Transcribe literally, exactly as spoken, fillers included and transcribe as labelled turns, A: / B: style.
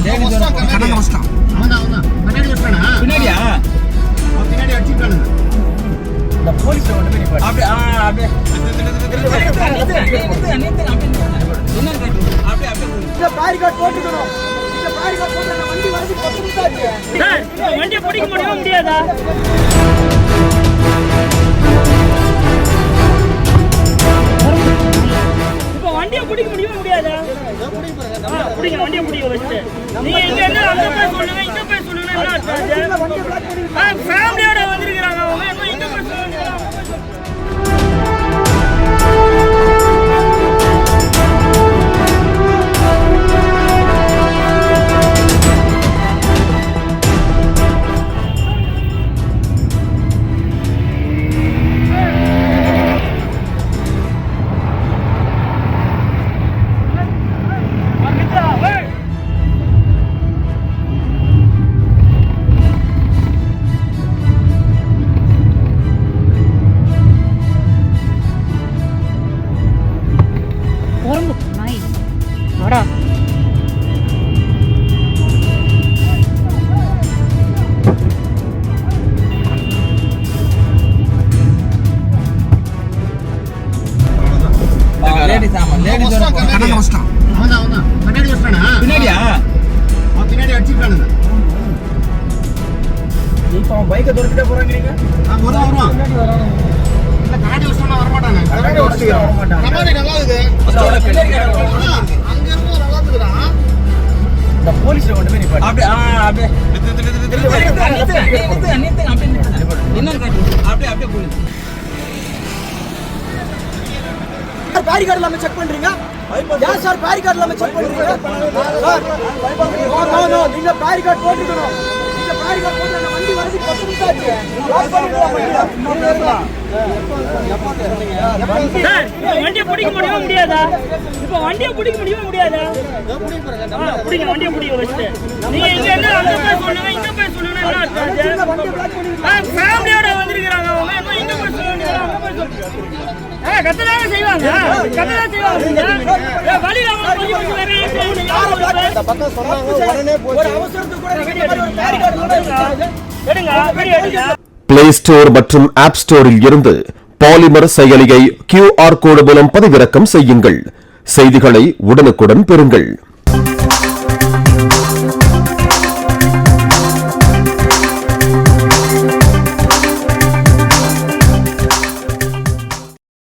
A: பின்னாடியா பின்னாடி அடிச்சுட்டானுங்க இந்த போலீஸ் வந்து அப்படியே அப்படியே பேரிகார்ட் போட்டுக்கணும். இந்த பேரிகார்ட் போட்டு அந்த வண்டி வரது பத்து நிமிஷம் ஆச்சு சார். வண்டியை பிடிக்க முடியுமா முடியாதா? இப்போ வண்டியை பிடிக்க முடியுமா முடியாதா? பிடிங்க வண்டியை பிடிக்க வச்சுட்டு நீங்க இங்க என்ன அங்க போய் சொல்லுங்க இங்க போய் சொல்லுங்க என்ன ஆச்சு? ஃபேமிலியோட வந்திருக்காங்க அவங்க என்ன இங்க போய் சொல்லுங்க. பின்னாடியா பின்னாடி அடிச்சுட்டானுங்க. இப்போ பைக்கை துரத்திட்டே போறாங்க. நீங்க வருவான் வருவான் இல்ல காடி வச்சோம்னா வர மாட்டாங்க. காடி வச்சு வர மாட்டாங்க. கமாடி நல்லா இருக்கு. அங்க இருந்து நல்லா இருக்குடா. இந்த போலீஸ்ல கொண்டு போய் நிப்பாட்டு. அப்படியே அப்படியே என்ன காட்டு அப்படியே அப்படியே போலீஸ் பேரிகார்டு இல்லாம செக் பண்றீங்க. ஏன் சார் பேரிகார்டு இல்லாம செக் பண்றீங்க சார்? நோ நோ நோ நீங்க பேரிகார்டு போட்டுக்கணும். நீங்க பேரிகார்டு போட்டு அந்த வண்டி வரது பத்து நிமிஷம் ஆச்சு. சார் வண்டியை பிடிக்க முடியுமா முடியாதா? இப்போ வண்டியை பிடிக்க முடியுமா முடியாதா? பிடிங்க வண்டியை பிடிக்க வச்சுட்டு நீங்க இங்க என்ன அங்க போய் சொல்லுங்க இங்க போய் சொல்லுங்க என்ன ஆச்சு? ஃபேமிலியோட வந்திருக்காங்க அவங்க என்ன இங்க போய் சொல்லுங்க அங்க போய் சொல்லுங்க. கத்ததான் செய்வாங்க கத்ததான் செய்வாங்க. வழியில
B: பிளே ஸ்டோர் மற்றும் ஆப் ஸ்டோரில் இருந்து பாலிமர் செயலியை கியூ ஆர் கோடு மூலம் பதிவிறக்கம் செய்யுங்கள். செய்திகளை உடனுக்குடன் பெறுங்கள்.